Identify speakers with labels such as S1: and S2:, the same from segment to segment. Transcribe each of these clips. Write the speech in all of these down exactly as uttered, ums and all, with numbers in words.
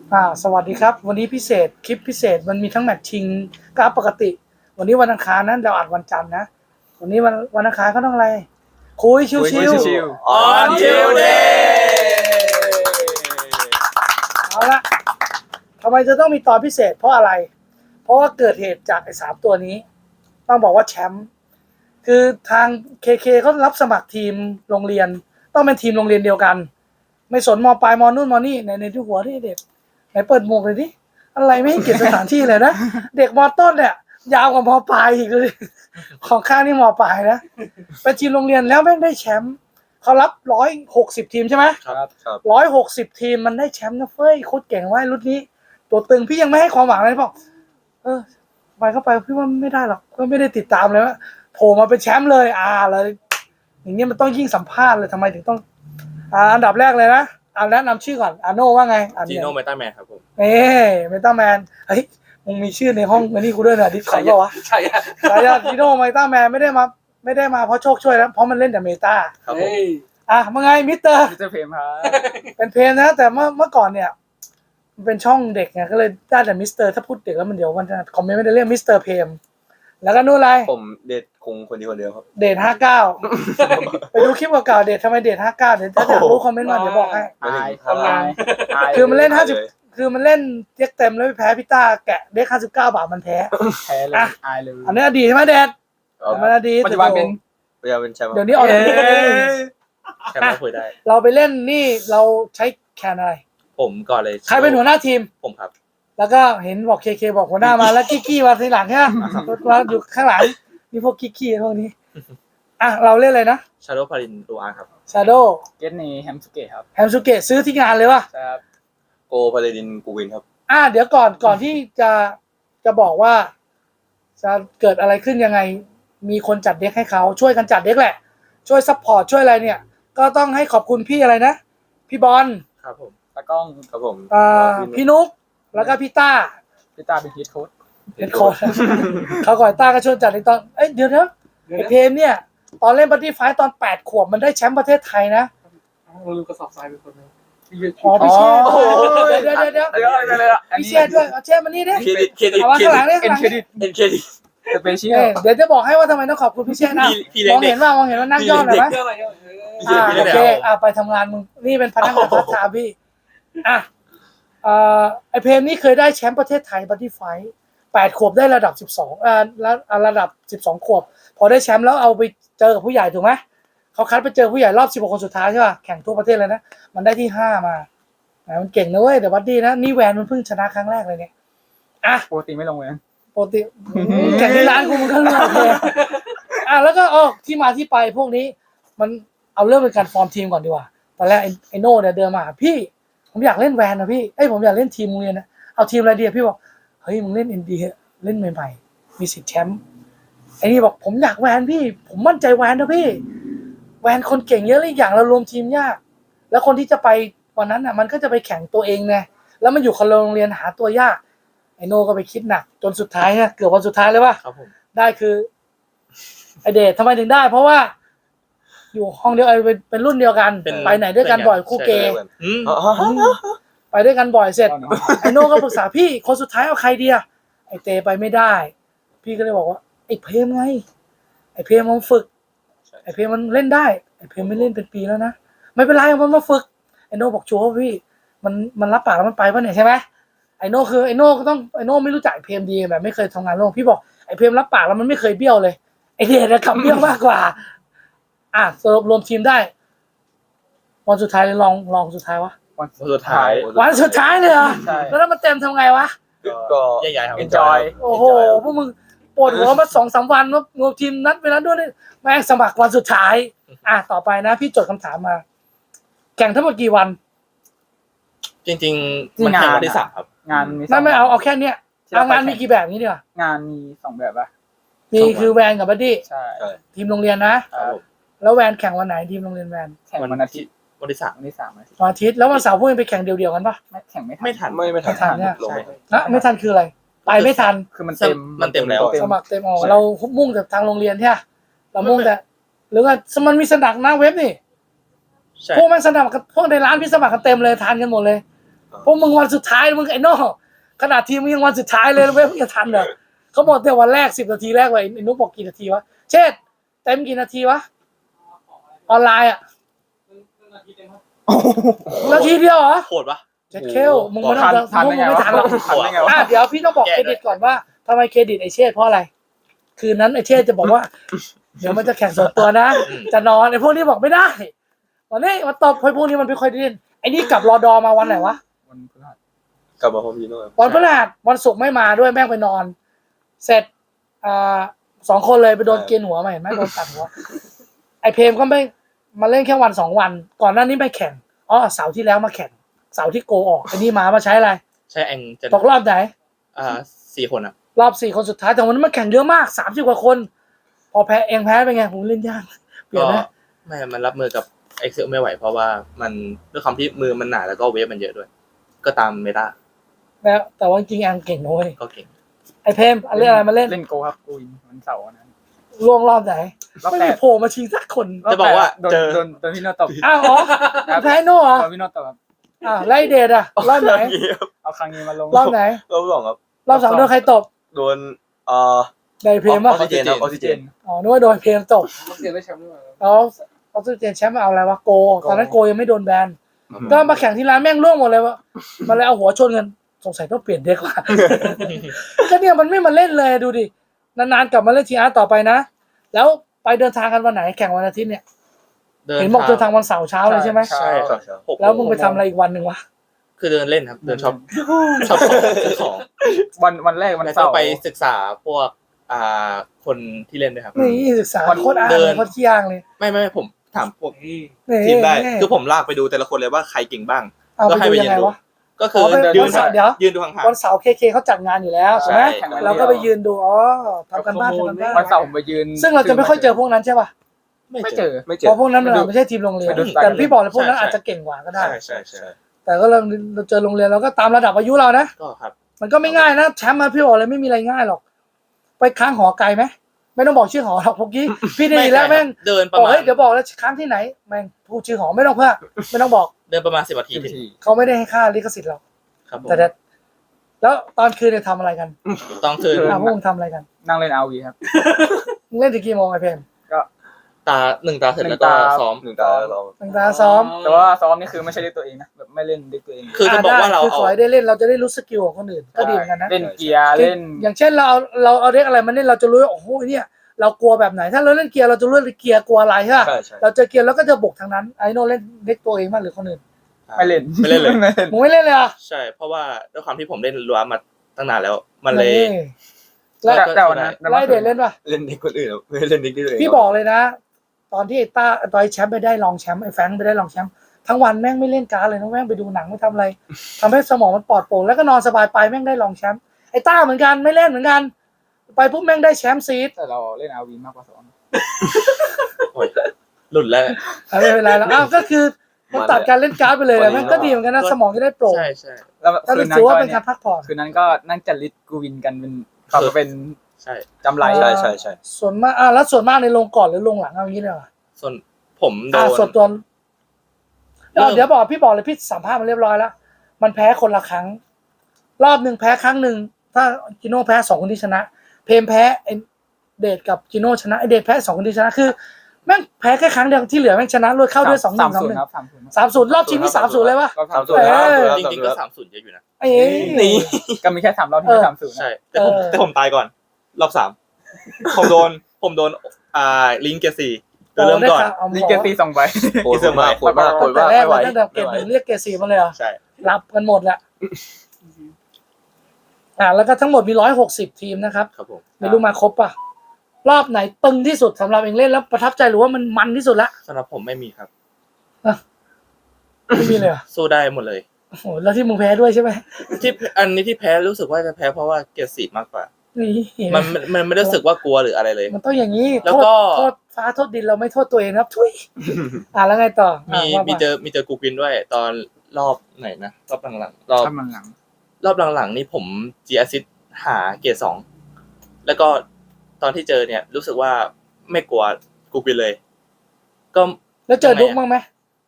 S1: อ่าสวัสดีครับวันนี้พิเศษคลิปพิเศษมันมีทั้งแมตช์ชิงกับปกติวันนี้วันอังคารนั้นเราอัดวันจันทร์นะวันนี้วันวันอังคารก็ต้องอะไรคุยชิว
S2: คุยชิว
S1: ๆ
S2: On Tuesday
S1: เอาละทำไมจะต้องมีตอนพิเศษเพราะอะไรเพราะว่าเกิดเหตุจากไอ้สามตัวนี้ต้องบอกว่าแชมป์คือทาง เค เค เขารับสมัครทีมโรงเรียนต้องเป็นทีมโรงเรียนเดียวกันไม่สนมปลายมนู่นมนี่ในในที่หัวที่เด็กไหนเปิดหมวกเลยดิอะไรไม่ให้เกียรติสถานที่เลยนะ เด็กมต้นเนี่ยยาวกว่ามปลายอีกเลยของข้างนี่มปลายนะเป็นทีมโรงเรียนแล้วแม่งได้แชมป์เขารับร้อยหกสิบทีมใช่ไหม
S2: ครับครับ
S1: ร้อยหกสิบทีมมันได้แชมป์นะเฟ้ยโคตรเก่งว่ายรุ่นนี้ ตัวตึงพี่ยังไม่ให้ความหวังเลยบอกเออไปเข้าไปพี่ว่าไม่ได้หรอกก็ไม่ได้ติดตามเลยว่าโผล่มาเป็นแชมป์เลยอ่าเลยอย่างเงี้ยมันต้องยิ่งสัมภาษณ์เลยทำไมถึงต้องอ่าอันดับแรกเลยนะเอาแนะนำชื่อก่อนอาโน่ว่าไงอ่าน
S2: จี
S1: เนี่ย
S2: โน่เมตาแมนครับผม
S1: เอ้เมตาแมนเฮ้ยมึงมีชื่อในห้องอันนี้กูด้วยนะดิสคอร์ดวะ
S2: ใช่ครับ
S1: สายาจีโน่เมตาแมนไม่ได้มาไม่ได้มาเพราะโชคช่วยนะเพราะมันเล่นแต่เมตา
S2: ครับผม
S1: อ่ะมึงไงมิสเตอร์
S3: มิสเตอร์เพมครับ
S1: เป็นเพลงนะแต่เมื่อเมื่อก่อนเนี่ยมันเป็นช่องเด็กไงก็เลยได้แต่มิสเตอร์ถ้าพูดเด็กแล้วมันเดี๋ยวมันจะคอมเมนต์ไม่ได้เรียกมิสเตอร์เพมแล้วก็นู่นอะไร
S4: ผมเดทคงคนเดียวคนเดียวครับ
S1: เดทห้าเก้าไปดูคลิปเก่าๆเดททำไมเดทห้าเก้าเดี๋ยวถ้าอยากรู้คอมเมนต์มาเดี๋ยวบอกให้
S3: อาย
S4: ทำงาน
S3: อาย
S1: คือมันเล่นห้าสิบ
S4: เลย
S1: คือมันเล่นเรียกเต็มแล้วไปแพ้พี่ต้าแกะเด็กห้าสิบเก้าบาทมันแพ้
S3: แพ้เลย
S1: อ่ะ
S3: อายเลย
S1: อันนี้อดีตใช่ไหมเดท
S4: เอา
S1: มันอดีต
S3: ปัจจุบันเป็น
S4: พยายามเป็นแชมป์
S1: เดี๋ยวนี้ออกจากนี้
S2: แชมป์ก็คุยได้
S1: เราไปเล่นนี่เราใช้แคนอะไร
S2: ผมก่อนเลย
S1: ใครเป็นหัวหน้าทีม
S2: ผมครับ
S1: แล้วก็เห็นบอกเคเคบอกหัวหน้ามาแล้วกี้กี้มาทีหลังใช่ไหมมาอยู่ข้างหลังมีพวกกี้กี้พวกนี้อ่ะเราเล่นอะไรนะ
S2: ชาโดว์พารินดูอาร์ครับ
S1: ชาโด
S3: เกตนีแฮมสเกตครับ
S1: แฮมสุเกะซื้อที่งานเลยวะ
S3: ครับ
S4: โกพาเลดินกูวินครับ
S1: อ่ะเดี๋ยวก่อนก่อนที่จะจะบอกว่า จะเกิดอะไรขึ้นยังไง มีคนจัดเด็กให้เขาช่วยกันจัดเด็กแหละ ช่วยซัพพอร์ตช่วยอะไรเนี่ย ก็ต้องให้ขอบคุณพี่อะไรนะ พี่บอล
S2: ครับผม
S3: ตากล้อง
S4: ครับผม
S1: อ่าพี่นุ๊กแล้วก็พี่ต้า
S3: พี่ตาเป็นฮีทโค้ด
S1: เป็นโค้ช เขาก่อยต้าก็ช่วยจัดในตอนเอ้ยเดี๋ยวนะไอเพมเนี่ย ตอนเล่นบัตตี้ไฟตอนแปดขวบมันได้แชมป์ประเทศไทยนะ
S5: เราลืมกระสอบทรายไปคนนึง
S1: อ๋อพี่เชษเดี๋ยวเดี๋ยวเดี๋ยว
S3: เดี๋ยวอะไรเลยอ่ะอัน
S1: พี่
S3: นี้
S1: เชษด้วยเอาเชษมานี่ดิ
S4: เครดิตเครดิต
S1: เอามา
S4: เคร
S1: ข้างห
S4: ดิ
S1: ลัง
S4: ต
S1: นี่
S3: เอ็
S1: ข้างหลัง
S3: นเครดิ
S1: นี่
S3: ต
S4: เอ็นเครดิต
S3: สเปเชีย
S1: เอ้
S3: ล
S1: ยเดี๋ยวจะบอกให้ว่าทำไมต้องขอบคุณพี่เชษนะ
S2: พี่พี่เล็
S1: ม
S2: ก
S1: อง
S2: เด็
S1: เห็
S2: ก
S1: นว่ามองเห็นว่านั่งย่อหน่อยไหม
S5: เรื่องอะไรเออ
S1: อ่า
S2: พี่
S1: โอ
S2: เล็ก
S1: เค
S2: เด็ก
S1: อ่าไปทำงานมึงนี่เป็นพนักงานพัฒนาพี่อ่ะอ่าไอเพมนี่เคยได้แชมป์ประเทศไทยบัตตี้ไฟแปดขวบได้ระดับสิบสองอ่าแล้วระดับสิบสองขวบ พอได้แชมป์แล้วเอาไปเจอกับผู้ใหญ่ถูกไหมเขาคัดไปเจอผู้ใหญ่รอบสิบหกคนสุดท้ายใช่ป่ะแข่งทั่วประเทศเลยนะมันได้ที่ห้ามาอ่ะมันเก่งนะเว้ยแต่บัดดี้นะนี่แวนมันเพิ่งชนะครั้งแรกเลยเนี่ยอ่ะ
S3: ปกติไม่ลงเลย
S1: ปกติแข่งที่ร้านกูมันก็เลือกเลยอ่ะแล้วก็อ๋อที่มาที่ไปพวกนี้ มันเอาเริ่มเป็นการฟอร์มทีมก่อนดีกว่าตอนแรกไอ้ไอโน่เนี่ยเดินมาหาพี่ผมอยากเล่นแวนนะพี่เอ้ยผมอยากเล่นทีมโรงเรียนนะเอาทีมอะไรดีอะพี่บอกเฮ้ยมึงเล่นเอ็นดีเล่นใหม่ๆมีสิทธิ์แชมป์ไอ้นี่บอกผมอยากแวนพี่ ผมมั่นใจแวนนะพี่ แวนคนเก่งเยอะเลยอีกอย่างเรารวมทีมยาก แล้วคนที่จะไปวันนั้นอ่ะมันก็จะไปแข่งตัวเองไงแล้วมันอยู่คนละโรงเรียนหาตัวยากไอโน่ก็ไปคิดหนักจนสุดท้ายเนี่ยเกือบวันสุดท้ายเลยว่า
S2: ครับผม
S1: ได้คือไอเดททำไมถึงได้ เพราะว่า อยู่ห้องเดียวไอเป็นเป็นรุ่นเดียวกัน ไปไหนด้วยกันบ่อยคู่เกย์
S2: อืม
S4: อ๋อ
S1: ไปด้วยกันบ่อยเสร็จ ไอโน่ก็ปรึกษาพี่คนสุดท้ายเอาใครดีอะไอเตไปไม่ได้ พี่ก็เลยบอกว่าไอเพมไงไอเพมมันฝึก ไอเพมมันเล่นได้ไอเพมไม่เล่นเป็นปีแล้วนะไม่เป็นไรมันมาฝึกไอโน่บอกชัวร์ว่าพี่มันมันรับปากแล้วมันไปป่ะเนี่ยใช่ไหมไอโน่คือไอโน่ก็ต้องไอโน่ไม่รู้จักไอเพมดีแบบไม่เคยทำงานร่วมพี่บอกไอเพมรับปากแล้วมันไม่เคยเบี้ยวเลยไอเดชขับเบี้ยวมากกว่าอ่ะสรุปรวมทีมได้วันสุดท้ายเลยลองลองสุดท้ายวะ
S3: วัน
S2: สุดท้าย
S1: วันสุดท้ายเลยเหรอ
S3: ใช่
S1: แล้วถ้ามันเต็มทำไงวะ
S4: ก็
S2: ใหญ่ๆครับ
S3: enjoy
S1: โอ้โหพวกมึงปวดหัวมาสองสามวันว่ารวมทีมนัดเวลาด้วยนี่แม่งสมัครวันสุดท้าย อ่ะต่อไปนะ พี่จดคำถามมา แข่งทั้งหมดกี่วัน
S2: จริงๆมันแข่งวันที่สามครับ
S3: งานมีส
S1: ไม่
S3: อง
S1: ไม่เอาเอาแค่เนี้ย
S3: ที่
S1: เอา
S3: ร
S1: งาน
S3: ไป
S1: มีกี่แบบนี้ดีกว่าง
S3: านมีสองแบบปะ
S1: มีคือแวนกับบัดดี้
S3: ใช่
S4: ใช่
S1: ทีมโรงเรียนนะ
S2: ครับผม
S1: แล้วแวนแข่งวันไหนทีมโรงเรียนแวน
S3: แข่งวันอาทิตย์
S2: วันที่สาม
S3: วันที่สามอาทิตย์
S1: วันอาทิตย์แล้ววันเสาร์พวกมึงไปแข่งเดียวๆกันปะ
S3: ไม่แข่งไม่ทัน
S2: ไม่ทัน
S4: ไม่ไม่ทัน
S1: ไม่ทันเนี่ย
S4: ลง
S2: ใช่
S1: นะไม่ทันคืออะไร ไปไม่ทัน
S3: คือมันเต็ม
S2: มันเต็มแล้ว
S1: สมัครเต็มออกเรามุ่งแต่ทางโรงเรียนใช่ไหมเรามุ่งแต่หรือว่ามันมีสมัครหน้าเว็บนี่
S2: ใช่
S1: พวกมันสมัครกันพวกในร้านพี่สมัครกันเต็มเลยทานกันหมดเลยพวกมึงวันสุดท้ายมึงไอ้โน่ขนาดทีมมึงยังวันสุดท้ายเลยเว้ยมึงจะทันเหรอเขาบอกแต่วันแรกสิบนาทีแรกไว้ไอ้นุ๊กบอกกี่นาทีวะเช่นเต็มกี่นาทีวะออนไลน์อ่ะนาทีเดียวเหรอ
S2: โหดปะ
S1: เจ็ดเคลมึงไม่ต้อง
S3: ทัน
S1: มึ
S3: ได้
S1: ง
S3: ไง
S1: ไม่
S3: วะ
S1: ทันหรอก
S3: ทันได้ไงวะ
S1: อ่ะเดี๋ยวพี่ต้องบอกเครดิตก่อนว่าทำไมเครดิตไอเช่เพราะอะไร คืนนั้นไอเช่จะบอกว่า เดี๋ยวมันจะแข่งส่วนตัวนะ จะนอนไอพวกนี้บอกไม่ได้วันนี้มันตบไอพวกนี้มันไม่ค่อยได้เล่นไอนี่กลับรอดอมาวันไหนวะ
S3: วันพฤหัส
S4: กลับมาพร้อมพี่โน่ครับ
S1: วันพฤหัสวันศุกร์ไม่มาด้วยแม่งไปนอน เสร็จอ่าสองคนเลยไปโดนเกณฑ์หัวมาเห็นไหมโดนตัดหัวไอเพมก็ไม่มาเล่นแค่วันสองวัน ก่อนหน้านี้ไม่แข่งอ๋อเสาร์ที่แล้วมาแข่งเสาร์ที่โกออกไอนี่มามาใช้อะไร
S2: ใช่แองจะ
S1: ตกรอบไหน
S2: อ่าสี่คนอ่ะ
S1: รอบสี่คนสุดท้ายแต่วันนั้นมันแข่งเยอะมากสามสิบกว่าคน พอแพ้เองแพ้เป็นไงผมเล่นยากเปลี่ย
S2: ก็
S1: นไหม
S2: ไม่มันรับมือกับ Excel ไม่ไหวเพราะว่ามันด้วยความที่มือมันหนาแล้วก็เวฟมันเยอะด้วย ก็ตามเมตา
S1: แล้วแต่ว่าจริงๆแองเก่งนะเว้ย
S2: ก็เก่ง
S1: ไอเพมเอาเรื่องอะไรมาเล่น
S3: เล่นโกครับกูวินวันเสาร์นั้น
S1: ล่วงรอบไหน
S3: รอบ
S1: ไม่
S3: แป
S1: มี
S3: ด
S1: โผล่มาชิงสักคน
S2: จะบอกว่า
S3: โดน
S2: เจอ
S3: โดนโดนพี่โน่ตบ
S1: อ้าวอ๋อแพ้โน่เหรอ
S3: โดนพี่โน่ตบครับ
S1: อ่าวไล่เดทอะรอบไหน
S3: เอาครั้งนี้มาลง
S1: รอบไหน
S4: รอบสองครับ
S1: รอบสองโดนใครตบ
S4: โดนเอ่อ
S1: ไดเพม
S4: อ
S1: ป่ะ
S4: อกซิเจนครับออกซิเจน
S1: อ๋อนึกว่าโดนเพมตบ
S5: เขาเสียได้แชมป์ด้วย
S1: แล้วออกซิเจนแชมป์มาเอาอะไรวะโกตอนนั้นโกยังไม่โดนแบนก็มาแข่งที่ร้านแม่งร่วงหมดเลยวะมาเลยเอาหัวชนกันสงสัยต้องเปลี่ยนเด็กว่ะ ก็เนี่ยมันไม่มาเล่นเลยดูดินานๆกลับมาเล่นทีอาร์ต่อไปนะแล้วไปเดินทางกันวันไหนแข่งวันอาทิตย์เนี่ยเห็นบอกเดินทางวันเสาร์เช้าเลยใช่ไหม
S2: ใช่ครับหก
S1: แล้วมึงไปทำอะไรอีกวันหนึ่งวะ
S2: คือเดินเล่นครับ เดินช็อปช็อปของซื้อของ
S3: วันวันแรกวัน
S2: แล้ว
S3: เสา
S2: ก็
S3: ร์
S2: ไปศึกษาพวกอ่าคนที่เล่นด้วยครับ
S1: นี่ศึกษา
S3: วัน
S1: โคตรอ่าน
S2: เดิ
S1: เลย
S2: น
S1: โคตรขี้อ้างเลย
S2: ไม่ไม่ไม่ผมถามพวก
S1: นี่
S2: ทีมได้
S1: นี่
S2: คือผมลากไปดูแต่ละคนเลยว่าใครเก่งบ้าง
S1: เอา
S2: ก็
S1: ไป
S2: ให้
S1: ดู
S2: ไป
S1: ยั
S2: ยื
S1: ง
S2: น
S1: ไง
S2: ดู
S1: วะ
S2: ก็คือ
S1: อ๋อไป
S2: ยื
S1: วัน
S2: น
S1: เสาร์เดี๋ยว
S2: ยืนดูห่าง
S1: วันเสาร์เคเคเขาจัดงานอยู่แล้วใช่ไหม
S2: ใช่
S1: เราก็ไปยืนดูอ๋อทำกันบ้านทำกันบ้าน
S3: วันเสาร์ผมไปยืน
S1: ซึ่งเราจะไม่ค่อยเจอพวกนั้นใช่ป่ะ
S2: ๆไม่
S3: ไม่
S2: เจ
S3: เจ
S2: อ
S3: อ
S4: ไม่เจ็
S1: เพ
S4: บ
S1: ราะพวกนั้นมัน
S3: ไปดู
S1: ไม่ใช่ทีมโรงเรียน
S3: ไปดู
S1: แต่พี่บอกเลยพวกนั้น
S2: ใช่
S1: อาจจะเก่งกว่าก็ได้
S2: ใช่ใช่ใช่
S1: แต่ก็เราเราเจอโรงเรียนเราก็ตามระดับอายุเรานะ
S2: ก็ครับ
S1: มันก็ไม่ง่ายนะแชมป์มาพี่บอกเลยไม่มีอะไรง่ายหรอก ไปค้างหอไกลไหมไม่ต้องบอกชื่อหอหรอกพวกกี้พี่ได้ยินแล้วแม่ง
S2: เดินประ
S1: บอก
S2: มาณ
S1: เฮ้ยเดี๋ยวบอกแล้วค้างที่ไหนแม่งพูดชื่อหอไม่ต้องเพื่อไม่ต้องบอก
S2: เดินประมาณสิบนาทีถึง
S1: เขาไม่ได้ให้ค่าลิขสิทธิ์เรา
S2: ครับผม
S1: แต่แต่แล้วตอนคืนเนี่ยทำอะไรกัน
S2: ต้องคืน
S1: อ่ะพวกมึงทำอะไรกัน
S3: นั่งเล่นอาวีครับ
S1: มึงเล่นถึงกี่โมงไอเพม
S2: ตาหนึ่งตาเสร็จแล้ว
S3: หนึ่
S2: ก็
S3: งตา
S2: ซ้อม
S4: หนึ่งตาแล้วเรา
S1: ตั้งแต่ซ้อม
S3: แต่ว่าซ้อมนี่คือไม่ใช่เด็กตัวเองนะแบบไม่เล่นเด็กตัวเอง
S2: คือจะบอกว่าเรา
S1: คือข
S2: เอา
S1: อให้ได้เล่นเราจะได้รู้สกิลของคนอื่นก็ดีเหมือนกันนะ
S3: เล่นเกียร์เล่น
S1: อย่างเช่นเราเอาเราเอาเด็กอะไรมาเล่นเราจะรู้ว่าโอ้โหเนี่ยเรากลัวแบบไหน ถ้าเราเล่นเกียร์เราจะรู้ว่าเกียร์กลัวอะไรใช่ป่ะ
S4: ใช่ใช่
S1: เราเจอเกียร์แล้วก็จะบกทางนั้นไอโน่เล่นเด็กตัวเองมากหรือคนอื่น
S3: ไม่เล่น
S2: ไม่เล่นเลย
S3: ไม่เล่น
S1: มึงไม่เล่นเลยเหรอ่ะ
S2: ใช่ เพราะว่าด้วยความที่ผมเล่นรัวมาตั้งนานแล้ว มันเลย
S1: แล้ว
S3: แต่แต่วันนั้น
S1: ไล่เดทเล่นป่ะ
S4: เล่นเด็กคนอื่นครับไม่เล่นเด็กที่ตัวเอง
S1: พี่บอกเลยนะ ตอนที่ไอ้ต้าตอนไอ้แชมป์ไปได้รองแชมป์ไอ้แฟรงค์ไปได้รองแชมป์ทั้งวันแม่งไม่เล่นการ์ดเลยนะแม่งไปดูหนังไม่ทำอะไรทำให้สมองมันปลอดโปร่งแล้วก็นอนสบายไปแม่งได้รองแชมป์ไอ้ต้าเหมือนกันไม่เล่นเหมือนกัน ไปปุ๊บแม่งได้แชมป์ซีด
S3: แต่เราเล่นอาวีมากกว่าซ้อม
S2: โอ้ยหลุดแล้ว
S1: อ่ะไม่เป็นไรแล้วอ้าวก็คือมันตัดการเล่นการ์ดไปเลยแหละแม่งก็ดีเหมือนกันนะสมองจะได้โปร่ง
S2: ใช่ใช่
S3: แล้ว
S1: ก็
S3: คืนนั้น
S1: ถือ
S3: ก็
S1: ว่าเป็น
S3: เนี่
S1: กาย รพักผ่อน
S3: คืนนั้นก็นั่งจัดลิสต์กูวินกันเป็นเขาก็เป็น
S2: ใช่
S3: จำไร
S4: ใช่ใช่ใช่
S1: ส่วนมากอ่ะแล้วส่วนมากในลงก่อนหรือลงหลังเอาอย่างนี้เลยเหรอ
S2: ส่วนผมโด
S1: อ่ะ
S2: น
S1: ส่วนตัว
S2: เริ่ม
S1: เดี๋ยวบอกพี่บอกเลยพี่สัมภาษณ์มันเรียบร้อยแล้วมันแพ้คนละครั้ง รอบหนึ่งแพ้ครั้งหนึ่งถ้าจิโน่แพ้สองคนที่ชนะ เพมแพ้ไอ้เดทกับจิโน่ชนะไอเดทแพ้สองคนที่ชนะคือแม่งแพ้แค่ครั้งเดียวที่เหลือแม่งชนะรวดเข้าด้วยสองหนึ่งสองหนึ่ง
S3: ครับสามศูนย์
S1: สามศูนย์รอบชิงที่สามศูนย์เลยวะ
S3: ก็
S4: สาม
S3: ทำ
S4: ศู
S3: ศู
S4: น
S3: น
S4: ย์
S3: ย์
S4: ครับ
S1: เออ
S2: จริงๆก็สามศูนย์เยอะอยู่นะ
S1: ไอ้
S2: นี่
S3: ก็มีแค่สามรอบที่ไม่สามศูนย์นะ
S2: ใช่ แต่ผม
S1: เออ
S2: แต่ผมตายก่อน รอบสามผมโดน ผมโดน อ่า ลิงเกียร์สี่ตัวเริ่มก่อน
S1: เอา
S3: ลิงเกอร์ตีสองใบ
S4: โหดมากโหดมากโหด
S1: แต่
S4: มาก
S1: แรก
S4: ไม่ไหว
S1: มันตั้งแต่เกรดหนึ่งเรียกเกรดสี่มาเลยเหรอ
S2: ใช่
S1: รับกันหมดแหละอ่าแล้วก็ทั้งหมดมีร้อยหกสิบทีมนะครับ
S2: ครับผม
S1: ไม่รู้มาครบป่ะ รอบไหนตึงที่สุดสำหรับเองเล่นแล้วประทับใจหรือว่ามันมันที่สุดละ
S2: สำหรับผมไม่มีครับ
S1: ไม่มีเลยเหรอ
S2: สู้ได้หมดเลย
S1: โอ้โหแล้วที่มึงแพ้ด้วยใช่ไหม
S2: ที่อันนี้ที่แพ้รู้สึกว่าจะแพ้เพราะว่าเกียร์สี่มากกว่า
S1: นี่
S2: มันมันมันไม่ได้รู้สึกว่ากลัวหรืออะไรเลย
S1: มันต้องอย่างนี้
S2: แล้วก็
S1: โทษโทษฟ้าโทษดินเราไม่โทษตัวเองนะครับทุยอ่าแล้วไงต่อ
S2: มี
S1: อ่ะว่า
S2: มี
S1: มา
S2: เจอมีเจอกูกินด้วย ตอนรอบไหนนะรอบหลังๆรอบ
S3: ทำมันหลัง
S2: รอบหลังๆนี่ผม G assist หาเกียร์สองแล้วก็ตอนที่เจอเนี่ย รู้สึกว่าไม่กลัวกูกินเลย ก็
S1: แล้วเจอดุ๊กบ้างไหม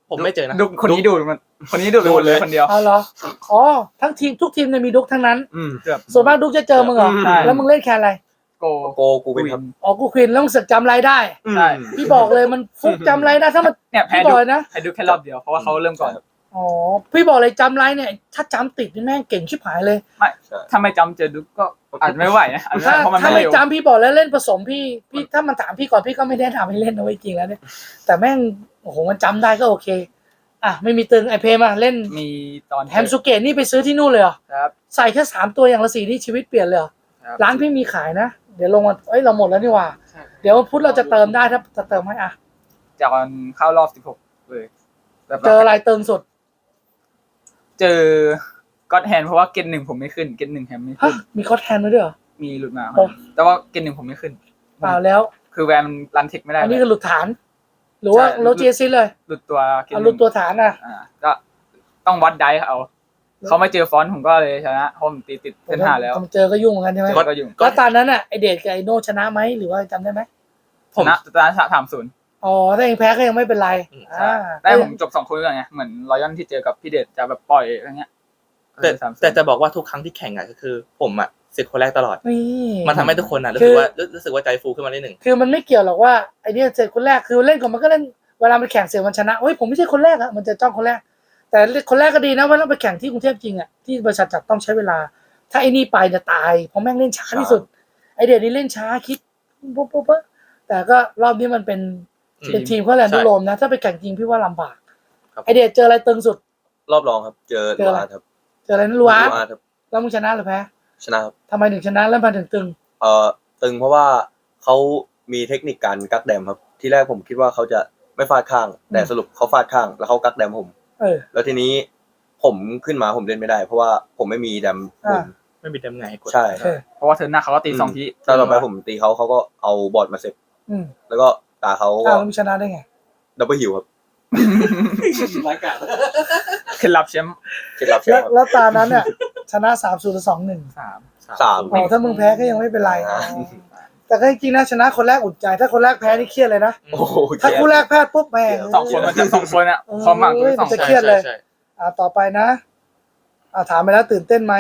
S2: ผมไม่เจอนะ
S3: ดุคนนี้ดูดมันคนนี้ดูดไปหมดเลยคนเดียว
S1: เอาเหรออ๋อทั้งทีมทุกทีมเนี่ยมีดุกทั้งนั้น
S4: อืม
S3: เกือบ
S1: ส่วนมากดุกจะเจอมึงเหรอ
S4: อืม
S1: แล้วมึงเล่นแคนอะไร
S3: โก
S4: โกกูเป็นครับ
S1: อ๋อกูควินแล้วมึงเสึกจำไรได้
S3: ใช่
S1: พี่บอกเลยมันฟุกจำไรได้ถ้ามัน
S3: เนี่ยแพ้
S1: พี่บ
S3: ดุ
S1: อกเลยนะ
S3: แพ้ดุแค่รอบเดียวเพราะว่าเขาเริ่มก่อน
S1: อ๋อพี่บอกเลยจำไรเนี่ยถ้าจำติดนี่แม่งเก่งชิบหายเลย
S3: ไม่
S4: ใช่
S3: ถ้าไม่จำเจอดุก็อาจไม่ไหวนะอาจจะ
S1: ถ้า
S3: เพราะมัน
S1: ถ้า
S3: ไม่
S1: ไม่
S3: เร็ว
S1: จำพี่บอกแล้วเล่นผสมพี่พี่ถ้ามันถามพี่ก่อนพี่ก็ไม่ได้ทำให้เล่นนะไว้จริงแล้วเนี่ยแต่แม่งโอ้โหมันจำได้ก็โอเคอ่ะไม่มีตึงไอเพมาเล่น
S3: มีตอน
S1: แฮมสุเกะนี่ไปซื้อที่นู่นเลยเหรอ
S3: ครับ
S1: ใส่แค่สามตัวอย่างละสีนี่ชีวิตเปลี่ยนเลยเหรอ
S3: ครับ
S1: ร้านพี่มีขายนะเดี๋ยวลงมาเอ้ยเราหมดแล้วนี่หว่า
S5: ใช่
S1: เดี๋ยวพุธเราจะเติมได้ถ้าจะเติมให้อ่ะ
S3: จากวันเข้ารอบสิบหกเลยแบบ
S1: เจออะไรเติมสุด
S3: เจอก็อดแฮนเพราะว่าเกณฑ์หนึ่งผมไม่ขึ้นเกณฑ์หนึ่งแฮมไม่
S1: ฮะ
S3: ขึ้น
S1: มีคอสแทนด้วยเหรอ
S3: มีหลุดมา
S1: โอ้
S3: แต่ว่าเกณฑ์หนึ่งผมไม่ขึ้น
S1: เปล่าแล้ว
S3: คือแวนมันรันเทคไม่ได้
S1: อันนี้คือหลุดฐาน หรือว่า
S3: ใช่
S1: โลเจซิเลย
S3: หลุดตัวเกณ
S1: เอา
S3: ฑ์
S1: หลุดตัวฐานอ่ะ
S3: อ่าก็ต้องวัดได้เอาเขาไม่เจอฟอนต์ผมก็เลยชนะเพราะผมตีติดเส้นห้าแล้ว
S1: ผมเจอก็ยุ่งเหมือนกันใช่ไหม
S3: ก็ยุ่ง
S1: แล้วตอนนั้นอ่ะไอเดทกับไอโนชนะไหมหรือว่าจำได้ไหม
S3: ชนะตอนนั้นสามศูนย์
S1: อ๋อถ้าเองแพ้ก็ยังไม่เป็นไรอ่า
S3: ได้ผมจบสองคนเลยไงเหมือนรอยัลที่เจอกับพี่เดชจะแบบปล่อยอะไรเงี้ย
S2: แต่
S3: สามศูนย์
S2: แต่จะบอกว่าทุกครั้งที่แข่งอ่ะก็คือผมอ่ะเสร็จคนแรกตลอด
S1: นี่
S2: มันทำให้ทุกคนอ่ะรู้
S1: คื
S2: สึก
S1: อ
S2: ว่ารู้รู้สึกว่าใจฟูขึ้นมาได้หนึ่ง
S1: คือมันไม่เกี่ยวหรอกว่าไอเนี้ยเสร็จคนแรกคือเล่นก่อนมันก็เล่นเวลามันแข่งเสร็จมันชนะเฮ้ยผมไม่ใช่คนแรกอะมันจะจ้องคนแรก แต่คนแรกก็ดีนะว่าต้องไปแข่งที่กรุงเทพจริงอะที่บริษัทจัดต้องใช้เวลา ถ้าไอ้นี่ไปจะตายเพราะแม่งเล่นช้าที่สุด ไอเดทนี่เล่นช้าคิดปุ๊บปุ๊บปุ๊บแต่ก็รอบนี้มันเป็นเป็นทีมเขาแลนด์โรมนะ ถ้าไปแข่งจริงพี่ว่าลำบาก
S2: ครับ
S1: ไอเดทเจออะไรตึงสุด
S4: รอบรองครับ เจอ
S1: เจออะไร
S4: ลูอาร์ตครับ
S1: เจออะไรนั่นรัว
S4: ลูอาร์ตครับ
S1: แล้วมึงชนะหรือแพ้
S4: ชนะครับ
S1: ทำไมถึงชนะแล้วมาถึงตึง
S4: เอ่อตึงเพราะว่าเขามีเทคนิคการกักแดมครับ ที่แรกผมคิดว่าเขาจะไม่ฟาดข้าง แต่สรุปเขาฟาดข้าง แล้วเขากักแดมผม
S1: เออ
S4: แล้วทีนี้ผมขึ้นมาผมเล่นไม่ได้ เพราะว่าผมไม่มีแดมบน
S1: อ่า
S2: ไม่มีเต็มไงให้กด
S4: ใช่
S1: โอเค
S3: เพราะว่าเธอหน้าเขาก็ตีสองที
S4: ตอนต่อไปผมตีเขาเขาก็เอาบอร์ดมาเสร็จ
S1: อืม
S4: แล้วก็ตาเขา
S1: อ้า
S4: ก็
S1: วแล้วมึงชนะได้ไง
S4: ดับเบิลฮิวครับ
S5: รายการ
S3: เคล็ดลับแชมป์
S4: เคล็ดลับใช่
S1: แล้ว
S4: ครับ
S1: แล้วตานั้นเนี่ยชนะสามศูนย์หรือสองหนึ่ง
S3: สาม
S4: สาม
S1: อ๋อถ้ามึงแพ้ก็ยังไม่เป็นไร
S4: อ่า
S1: แต่ก็จริงๆนะชนะคนแรกอุ่นใจ ถ้าคนแรกแพ้นี่เครียดเลยนะ
S4: โอ้โห
S1: ถ้าคู่แรกแพ้ปุ๊บแม่ง
S3: สองคนมันจะสองคนอ่ะความหวังตัวที่สอง
S1: จะ
S2: ใช่
S1: เครียดเลย
S2: ใช่ใช่
S1: อ่าต่อไปนะ อ่าถามไปแล้วตื่นเต้นไหม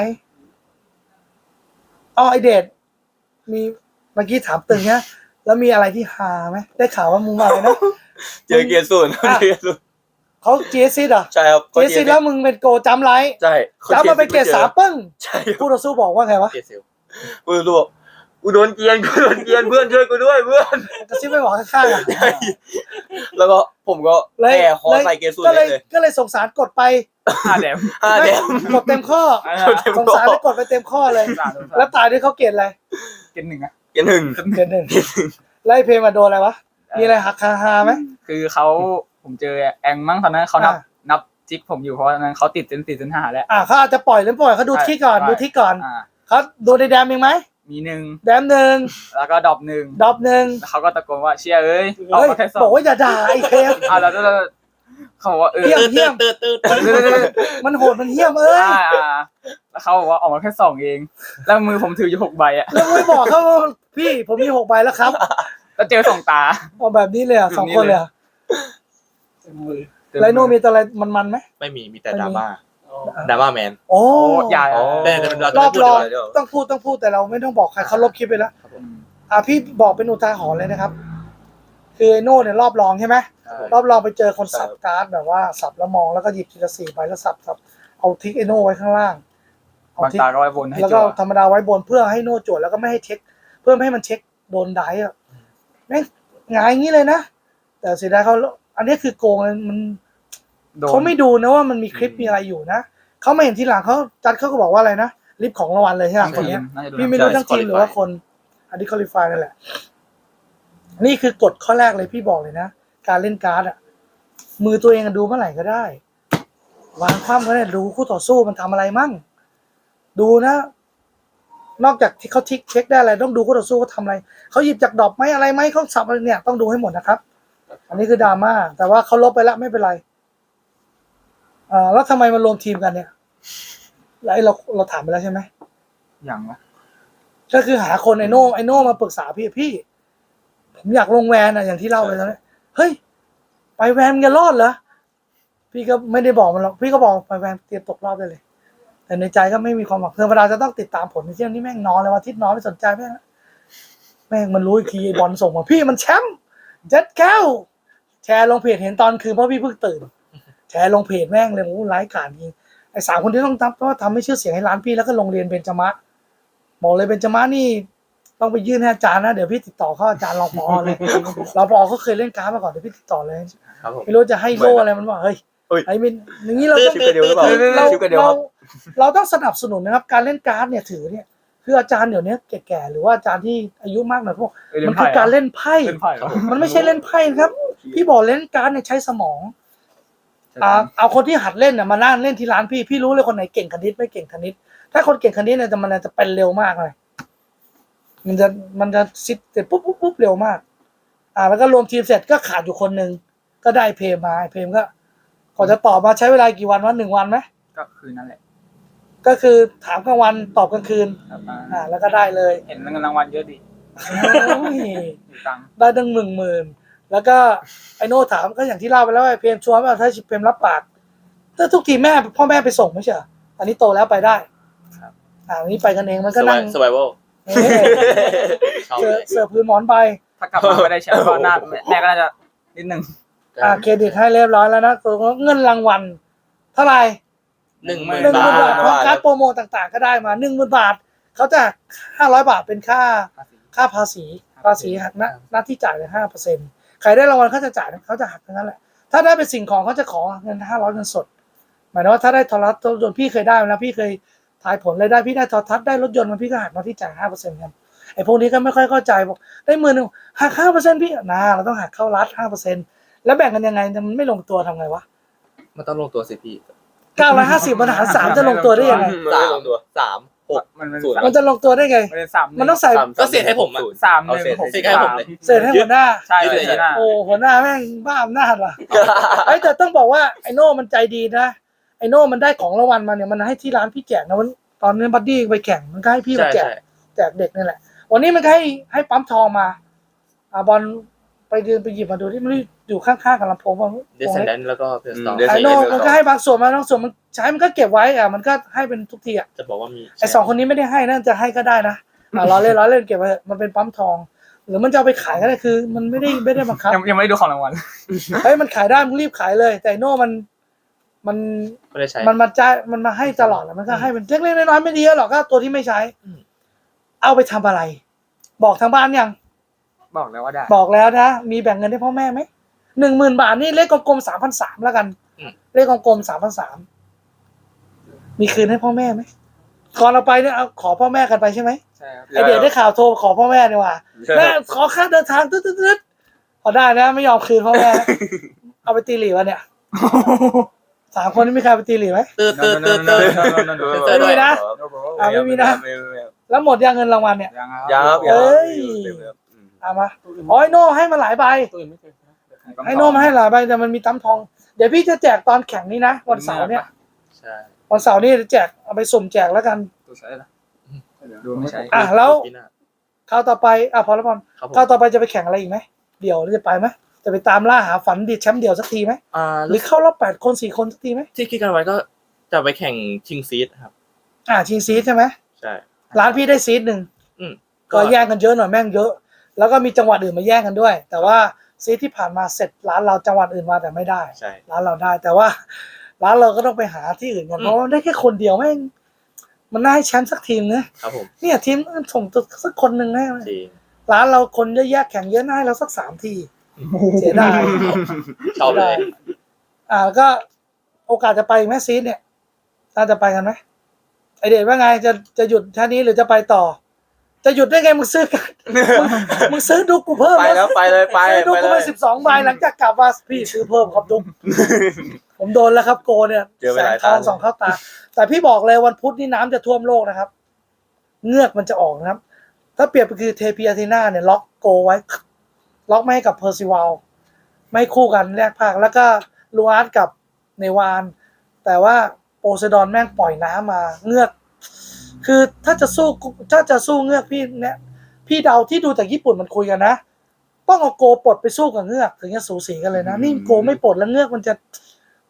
S1: อ๋อไอเดทมีเมื่อกี้ถามตึงเนี่ยแล้วมีอะไรที่ฮาไหมได้ข่าวว่ามึงมาเลยนะ
S4: เจอเกียร์ศูนย์เจอเกียร์ศูนย์
S1: เขาเจซิดอ่ะ
S4: ใช่ครับ
S1: เจซิดแล้วมึงเป็นโกจำไร
S4: ใช่
S1: จำมาเป็นเกรดสามปึ้ง
S4: ใช่ครับ
S1: คู่ต่อสู้บอกว่าไงวะ
S2: เกรดเซล
S4: กูรู้ว่ากูโดนเกียร์กูโดนเกียร์เพื่อนช่วยกูด้วยเพื่อน
S1: กระซิบไม่บอกข้างๆอ่ะ
S4: ใช่แล้วก็ผมก็
S1: เลย
S4: แก่คอใส่เกียร์ศูน
S1: ก็
S4: ย์
S1: เล
S4: ได้
S1: ย
S4: เลย
S1: ก็เลยสงสารกดไป
S3: ห้าแดม
S4: ห้าแดม
S1: กดเต็มข้อ
S3: อ่า
S1: สงสารเลยกดไปเต็มข้อเลย
S3: สาม
S1: แล้วตายด้วยเขาเกรดอะไร
S3: เกณฑ์หนึ่งอ่ะ
S4: เกียร์หนึ่ง
S1: เกรดหนึ่งไล่เพลงมาโดนอะไรวะ มีอะไรหักคาฮาไหม
S3: คือเขาผมเจอแองมั้งตอนนั้นเขานับ
S1: อ่า
S3: นับจิกผมอยู่เพราะตอนนั้นเขาติดเซนสี่เซนห้าแล้ว
S1: อ่าเขาอาจจะปล่อยหรือปล่อยเขาดู
S3: ใช่
S1: ที่ก่อน
S3: ใช่
S1: ดูที่ก่อน
S3: อ่า
S1: เขาดูในแดมเองไหม
S3: มีหนึ่ง
S1: แดมหนึ่ง
S3: แล้วก็ดรอปหนึ่ง
S1: ดรอปหนึ่ง
S3: แล้วเขาก็ตะโกนว่าเชียร์เอ้ยเอา
S1: เฮ้ย
S3: มาแค่สอง
S1: บอกว่าอย่าด่าไอ้เพลง
S3: อ่าแล้วแล้วแล้วเขาบอกว่าเออ
S1: เยี่ยมเยี่ยม
S2: ตืดตืดตืด
S3: เดี๋ยวเดี๋ยวเดี๋ยว
S1: มันโหดมันเหี้ยมเอ้ย
S3: อ่าอ่าแล้วเขาบอกว่าออกมาแค่สองเอง แล้วมือผมถืออยู่หกใบอ่ะ
S1: แล้วไม่บอกเขาว่าพี่ผมมีหกใบแล้วครับ
S3: แล้วเจอสองตา
S1: เอาแบบนี้เลยอ่ะ
S3: แบบนี้
S1: สองคนเลยอ่ะ
S5: เต็มมือ
S1: ไรโนมีอะไรมันๆไหม
S2: ไม่มีมีแต่ดราม่า
S5: อ๋อ
S2: ดราม่าแมน
S1: โอ้
S3: โอ้ยา
S4: อ๋อ
S2: แต่แต่เรา
S1: ร
S2: จะ
S1: อ
S2: ไม่
S1: บ
S2: พูด
S1: ร
S2: ดี
S1: อก
S2: ว่า
S1: ต้องพูดต้องพูดแต่เราไม่ต้องบอกใครเขาลบคลิปไปแล้ว อ่ะพี่บอกเป็นอุทาหรณ์เลยนะครับ คือไอโน่เนี่ยรอบรองใช่ไหม
S3: ใช่
S1: รอบรองไปเจอคนสับการ์ดแบบว่าสับแล้วมองแล้วก็หยิบทีละสี่ใบแล้วสับสับเอาทิกไอโน่ไว้ข้างล่างเอา
S3: บาง
S1: ทิก
S3: ตาก็ไว้บนให้
S1: แล้ว
S3: จั่
S1: ก็
S3: ว
S1: ธรรมดาไว้บนเพื่อให้โน่จวดแล้วก็ไม่ให้เช็ค เพื่อไม่ให้มันเช็คโดนได้อะแม่งหงายอย่างนี้เลยนะแต่เสียดายเขาอันนี้คือโกงเลยมัน
S3: โดน
S1: เขาไม่ดูนะว่ามันมีคลิปมีอะไรอยู่นะเขาไม่เห็นทีหลังเขาจัดเขาก็บอกว่าอะไรนะลิฟต์ของรางวัลเลยใช่ไหม
S3: ทั้ง
S1: คน
S3: ที
S1: เนี้
S3: ม
S1: ย
S3: น่าจะโดน
S1: พี่ไม่รู้ทั้งทีมหรือว่าคนอันนี้คอลิฟายนั่นแหละ นี่คือกฎข้อแรกเลยพี่บอกเลยนะ การเล่นการ์ดอะมือตัวเองอะดูเมื่อไหร่ก็ได้ วางคว่ำก็ได้ดูคู่ต่อสู้มันทำอะไรมั่ง ดูนะ นอกจากที่เขาทิกเช็คได้อะไรต้องดูคู่ต่อสู้เขาทำอะไรเขาหยิบจากดอกไม้อะไรไหมเขาสับอะไรเนี่ยต้องดูให้หมดนะครับ อันนี้คือดราม่าแต่ว่าเขาลบไปแล้วไม่เป็นไรอ่าแล้วทำไมมารวมทีมกันเนี่ยแล้วไอ้เราเราถามไปแล้วใช่ไหม
S3: อย่างวะ
S1: ก็คือหาคนไอโน่ไอโน่มาปรึกษาพี่พี่ผมอยากลงแวนอะอย่างที่เล่าไปตอนนี้เฮ้ยไปแวนมึงจะรอดเหรอพี่ก็ไม่ได้บอกมันหรอกพี่ก็บอกไปแฟนเตรียมตกรอบได้เลย แต่ในใจก็ไม่มีความหวังธรรมดาจะต้องติดตามผลในเที่ยวนี้แม่งนอนเลยวันอาทิตย์นอนไม่สนใจแม่งแม่งมันรู้อีกทีไอ้บอลส่งมาพี่มันแชมป์เจ็ดแก้วแชร์ลงเพจเห็นตอนคืนเพราะพี่เพิ่งตื่นแชร์ลงเพจแม่งเลยโอ้ไร้กาจจริงไอ้สามคนที่ต้องทำเพราะว่าทำให้ชื่อเสียงให้ร้านพี่แล้วก็โรงเรียนเบญจมะบอกเลยเบญจมะนี่ต้องไปยื่นให้อาจารย์นะเดี๋ยวพี่ติดต่อเข้าอาจารย์รองผอเลยรองผอเขาเคยเล่นการ์ดมาก่อนเดี๋ยวพี่ติดต่อเลย
S2: ครับผม
S1: ไม่รู้จะให้โล่อะไรมันบอกเฮ้ย
S4: เฮ้ย
S1: ไอ้มินอย่างนี้เราต้อง
S4: ชิปกระเดียวหรือเปล่า
S1: เรา
S4: ชิปกระเดียว
S1: เรา
S4: ครับ
S1: เราต้องสนับสนุนนะครับ การเล่นการ์ดเนี่ยถือเนี่ยคืออาจารย์เดี๋ยวนี้แก่ๆหรือว่าอาจารย์ที่อายุมากหน่อยพวก
S3: เล่น
S1: มัน
S3: ไพ่
S1: คือการเล่นไพ่
S3: เล่นไพ่เหรอ
S1: มันไม่ใช่เล่นไพ่นะครับ พี่บอกเล่นการ์ดเนี่ยใช้สมองอ่าเอาคนที่หัดเล่นน่ะมานั่งเล่นที่ร้านพี่พี่รู้เลยคนไหนเก่งคณิตไม่เก่งคณิต ถ้าคนเก่งคณิตเนี่ยจะมันจะเป็นเร็วมากเลยมันจะมันจะซิดเสร็จปุ๊บปุ๊บปุ๊บเร็วมาก อ่าแล้วก็รวมทีมเสร็จก็ขาดอยู่คนหนึ่งก็ได้เพมมาเพมก็ก่อนจะตอบมาใช้เวลากี่วันวะหนึ่งวันไหม
S3: ก็คือนั่นแหละ
S1: ก็คือถามกลางวันตอบกลางคืน
S3: ครับอ่า
S1: อ่าแล้วก็ได้เลย
S3: เห็นเงินรางวัลเยอะดิ
S1: โอ้ย
S3: มีตังค์
S1: ได้ตั้งหมื่นหมื่นแล้วก็ไอโน่ถามก็อย่างที่เล่าไปแล้วไอเพมชวนว่าถ้าเพมรับปากถ้าทุกทีแม่พ่อแม่ไปส่งไม่ใช่เหรออันนี้โตแล้วไปได้อ่าอันนี้ไปกันเองมันก็นั่ง
S2: สไวเวล
S1: เอ้ย
S2: ชอบ
S1: เสื
S2: เล
S1: อย เสือพื้นหมอนไป
S3: ถ้ากลับมาไม่ได้แชมป์ก็น่าแม่ก็น่าจะนิดนึง
S1: อ่าเครดิตให้เรียบร้อยแล้วนะตัวเงินรางวัลเท่าไหร่
S2: หนึ่งหมื่น
S1: หนึ่งห
S2: บา
S1: มื่นบาท
S2: ท
S1: พร้อมการดโปรโมทต่างๆก็ได้มาหนึ่งหมื่นบาทเขาจะห้าร้อยบาทเป็นค่าค่าภาษีภาษีหักหน้าหน้าที่จ่ายเลยห้าเปอร์เซ็นต์ใครได้รางวัลเขาจะจ่ายเขาจะหักทั้งนั้นแหละถ้าได้เป็นสิ่งของเขาจะขอเงินห้าร้อยเงินสดหมายถึงว่าถ้าได้โทรทัศน์รถยนต์พี่เคยได้มาแล้วพี่เคยทายผลเลยได้พี่ได้โทรทัศน์ได้รถยนต์มันพี่ก็หักหน้าที่จ่ายห้าเปอร์เซ็นต์กันไอ้พวกนี้ก็ไม่ค่อยเข้าใจบอกได้หมื่นหนึ่งหักห้าเปอร์เซ็นต์พี่นะเราต้องหักเข้ารัฐห้าเปอร์เซ็นต์แล้วแบ่งกันยังไงมันไม่ลงตัวทำไงวะ
S2: มันต้องลงตัวสิพี่
S1: เก้าร้อยห้าสิบมันหารสามจะลงตัวได้ยังไง
S4: สามตัวสามหก
S3: มันเป็น
S4: ศูนย์
S1: มันจะลงตัวได้ไง
S3: มันเป็นสาม
S1: มันต้องใส่
S4: สาม
S2: ก็เสียให้ผมอะ
S3: สามหนึ่ง
S4: เอาเศษ
S3: หก
S2: เศษให้ผมเลย
S1: เศษให้หัวหน้า
S3: ใช่
S2: ยึด
S3: เล
S2: เลย ย
S3: หน้า
S1: โอ้หัวหน้าแม่งบ้าอำนาจว่ะไอ้ยแต่ต้องบอกว่าไอโน่มันใจดีนะไอโน่มันได้ของรางวัลมาเนี่ยมันให้ที่ร้านพี่แจกนะวันตอนนี้บัดดี้ไปแข่งมันก็ให้พี่มา
S2: ใช่
S1: แจก
S2: ใช่
S1: แจกเด็กนี่แหละ วันนี้มันก็ให้ให้ปั๊มทองมาอ่าบอลไปเดินไปหยิบมาดูที่มันอยู่ข้างๆกับลำโพงว่า
S2: เดซเซนแดนแล้วก็เพลสตอ
S4: อืม
S2: ร์
S4: Descendant
S1: ไอโน่มันก็ให้บางส่วนมาบางส่วนมันใช้มันก็เก็บไว้อ่ะมันก็ให้เป็นทุกทีอ่ะ
S2: จะบอกว่ามี
S1: ไอสองคนนี้ไม่ได้ให้นั่นจะให้ก็ได้นะอ่าล้อเล่นล้อเล่นเก็บไว้มันเป็นปั๊มทอง หรือมันจะเอาไปขายก็ได้คือ มันไม่ได้ไม่ได้บังคับ
S3: ยังยังไม่ได้ดูของรางวัล
S1: เฮ้ยมันขายได้มึงรีบขายเลย แต่ไอ้โน่มันมัน
S2: ไม่ได้ใช้
S1: มันมาจ่ายมันมาให้ตลอดแล้วมันก็ให้เป็นเล็กๆน้อยๆไม่ดีหรอกก็ตัวที่ไม่ใช้
S2: อืม
S1: เอาไปทำอะไร บอกทางบ้านยัง
S3: บอกแล้วว่าได้
S1: บอกแล้วนะมีแบ่งเงินให้พ่อแม่ไหมหนึ่งหมื่นบาทนี่เลขกลมๆสามพันสามแล้วกัน
S2: อืม
S1: เลขกลมๆสามพันสามมีคืนให้พ่อแม่ไหมก่อนเราไปเนี่ยเอาขอพ่อแม่กันไปใช่ไหม
S3: ใช่ครับ
S1: ไอเดียได้ข่าวโทรขอพ่อแม่ดีกว่า
S4: ใช่
S1: แม่ขอค่าเดินทางตึ๊ดๆๆพอได้นะไม่ยอมคืนพ่อแม่ เอาไปตีหลีวะเนี่ยสามคนนี้มีใครไปตีหลีไหม
S2: ตื้อตื้อตื้อตื้อ เซอร์ด้วย
S1: ไม่มีนะ อ่ะไม่มีนะ
S4: ไม่มีไม่มี
S1: แล้วหมดยังเงินรางวัลเนี่ย
S3: ยัง
S4: ยังครับ
S1: เอ้ย
S4: เต็มเลยครับอืม
S1: เอามาอ๋อไอโน่ให้มาหลายใบ
S5: ตัวอื่นไม่เคยนะ
S1: ไอโน่มาให้หลายใบแต่มันมีตั้มทอง เดี๋ยวพี่จะแจกตอนแข่งนี้นะวันเสาร์เนี่ย
S2: ใช่
S1: วันเสาร์นี่จะแจกเอาไปสุ่มแจกแล้วกัน
S3: ตัวใช้ละดูไม่ใช้
S1: อ่ะแล้ว
S2: ปีหน้า
S1: คราวต่อไปอ่ะพอแล้วพอ
S2: ครับผม
S1: คราวต่อไปจะไปแข่งอะไรอีกไหมเดี๋ยวจะไปไหมจะไปตามล่าหาฝันดีดแชมป์เดี่ยวสักทีไหม
S2: อ่า
S1: หรือเข้ารอบแปดคนสี่คนสักทีไหม
S2: ที่คิดกันไว้ก็จะไปแข่งชิงซีดครับ
S1: อ่าชิงซีดใช่ไหม
S2: ใช่
S1: ร้านพี่ได้ซีดหนึ่ง
S2: อืม
S1: ก็แย่งกันเยอะหน่อยแม่งเยอะ แล้วก็มีจังหวัดอื่นมาแย่งกันด้วย แต่ว่าซีดที่ผ่านมาเสร็จร้านเราจังหวัดอื่นมาแต่ไม่ได้
S2: ใช่
S1: ร้านเราได้ แต่ว่า ร้านเราก็ต้องไปหาที่อื่นกัน
S2: อืม
S1: เพราะว่าได้แค่คนเดียวแม่งมันน่าให้แชมป์สักทีมนะครับ
S2: ผม
S1: เนี่ยทีมส่งตัวสักคนหนึ่งให้
S2: จริง
S1: ร้านเราคนเยอะแยะแข่งเยอะน่าให้เราสักสามทีเสียดาย
S2: ชอบเลย
S1: อ่าก็โอกาสจะไปอีกไหมซีดเนี่ยน่าจะไปกันไหมไอเดชว่าไงจะจะหยุดท่านี้หรือจะไปต่อ จะหยุดได้ไงมึงซื้อกันมึงมึงซื้อดุกกูเพิ่ม
S4: ไปแล้วไปเลยไป
S1: ซื้อดุก
S4: ไป
S1: กู
S4: เล
S1: ไป
S4: ย
S1: สิบสองใบหลังจากกลับมาพี่ซื้อเพิ่มครับดุกผมโดนแล้วครับโกเนี่ย
S4: เจอไป
S1: แส
S4: ห
S1: ง
S4: ลาย
S1: ทอง
S4: ตา
S1: สองเข้าตา แต่พี่บอกเลยวันพุธนี่น้ำจะท่วมโลกนะครับ เงือกมันจะออกนะครับ ถ้าเปรียบก็คือเทพีอาทีนาเนี่ยล็อกโกไว้ ล็อกไม่ให้กับเพอร์ซิวัลไม่คู่กันแรกภาคแล้วก็ลูอาร์ตกับเนวาน แต่ว่าโปไซดอนแม่งปล่อยน้ำมาเงือก คือถ้าจะสู้ถ้าจะสู้เงือกพี่เนี่ยพี่เดาที่ดูจากญี่ปุ่นมันคุยกันนะ ต้องเอาโกปลดไปสู้กับเงือกถึงจะสูสีกันเลยนะ นี่โกไม่ปลดแล้วเงือกมันจะ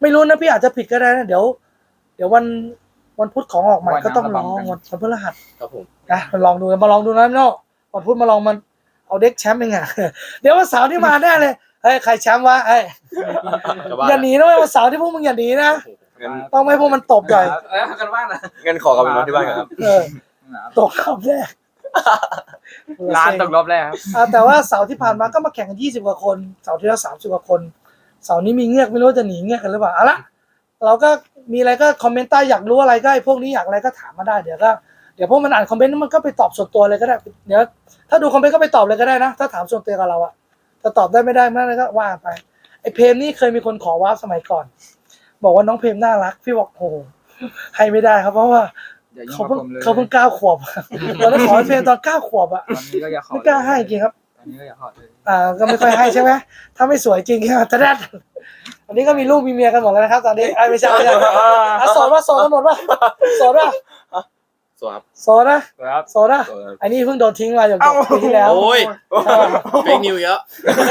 S1: ไม่รู้นะพี่อาจจะผิดก็ได้นะเดี๋ยว เดี๋ยววันวันพุธของออกใหม่
S3: วัน
S1: ก็ต้องล
S3: ระ
S1: อง
S3: บำกัน
S1: วันวันพฤหัส
S2: ครับผม
S1: นะมาลองดูมาลองดูนะพี่โน่วันพุธมาลองมันเอาเด็กแชมป์ยังไง เดี๋ยววันเสาร์ที่มาแน่เลยเฮ้ยใครแชมป์วะเอ้ย
S2: ก็ว่า
S1: อย่าหนีนะเว้ยวันเสาร์ที่พวกมึงอย่าหนีนะ
S4: งั้น
S1: ต้องไม่ให้พวกมันตบหน่อย
S5: เออกันบ้างนะ
S4: งั้นขอกลับไปนอนที่บ้านก่อนครับ
S1: เออตกรอบแรก
S3: ร้านตกรอบแรกครับ
S1: อ่าแต่ว่าเสาร์ที่ผ่านมาก็มาแข่งกันยี่สิบกว่าคนเสาร์ที่แล้วสามสิบกว่าคนเสาร์นี้มีเงือกไม่รู้ว่าจะหนีเงือกกันหรือเปล่าเอาละเราก็มีอะไรก็คอมเมนต์ใต้อยากรู้อะไรก็ไอ้พวกนี้อยากอะไรก็ถามมาได้เดี๋ยวก็เดี๋ยวพวกมันอ่านคอมเมนต์มันก็ไปตอบส่วนตัวเลยก็ได้เดี๋ยวถ้าดูคอมเมนต์ก็ไปตอบเลยก็ได้นะถ้าถามส่วนตัวกับเราอะจะตอบได้ไม่ได้ไม่ได้ก็ว่าไปไอ้เพมนี่เคยมีคนขอวาร์ปสมัยก่อน บอกว่าน้องเพมน่ารักพี่บอกโอ้โหให้ไม่ได้ครับเพราะว่า
S3: อย่ายุ่ง
S1: เขา
S3: กับ
S1: เพิ่ง
S3: ผมเลย
S1: เขาเพิ่งเก้าขวบ ตอนนั้นขอให้เพมตอนเก้าขวบอะ
S3: ตอนนี้ก็อย่าขอ
S1: ไม่กล้าให้จริงครับ
S3: ตอนนี้ก็อย่าขอเลย
S1: อ่าก็ไม่ค่อยให้ใช่ไหมถ้าไม่สวยจริงก็จะได้อันนี้ก็มีลูกมีเมียกันหมดแล้วนะครับ ตอนนี้ไอ้ไม่ใช่ไม่ใช่อ่ะโสดว่าโสดกันหมดว่าโสดว่า
S2: สวัสดี
S1: โสดนะครับ โสดนะไอ้นี่เพิ่งโดนทิ้งมาจากปีที่แล้ว
S2: โอ้ยเฟกนิวเยอะ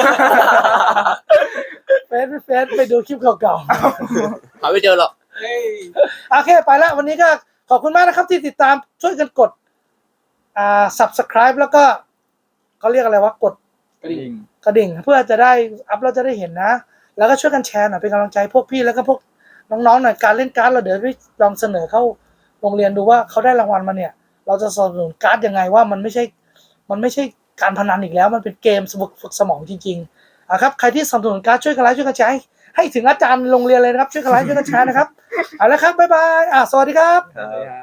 S1: เฟซเฟซไปดูคลิปเก่า
S2: หาไม่เจอหรอก
S5: เฮ้ย
S1: ๆโอเคไปแล้ววันนี้ก็ขอบคุณมากนะครับที่ติดตามช่วยกันกดอ่า subscribe แล้วก็เขาเรียกอะไรวะกด
S5: กระดิ่ง
S1: กระดิ่งเพื่อจะได้อัพเราจะได้เห็นนะ แล้วก็ช่วยกันแชร์หน่อยเป็นกำลังใจพวกพี่แล้วก็พวกน้องๆหน่อยการเล่นการ์ดเราเดี๋ยวไปลองเสนอเข้าโรงเรียนดูว่าเขาได้รางวัลมาเนี่ย เราจะสนับสนุนการ์ดยังไงว่ามันไม่ใช่ มันไม่ใช่การพนันอีกแล้ว มันเป็นเกมฝึกฝึกสมองจริงๆอ่ะครับใครที่สนับสนุนการ์ดช่วยกันไลค์ช่วยกันแชร์ให้ให้ถึงอาจารย์โรงเรียนเลยนะครับช่วยกันไลค์ช่วยกันแชร์นะครับเอาละครับบ๊ายบายอ่ะสวัสดีครับ
S3: สวัสดีครับ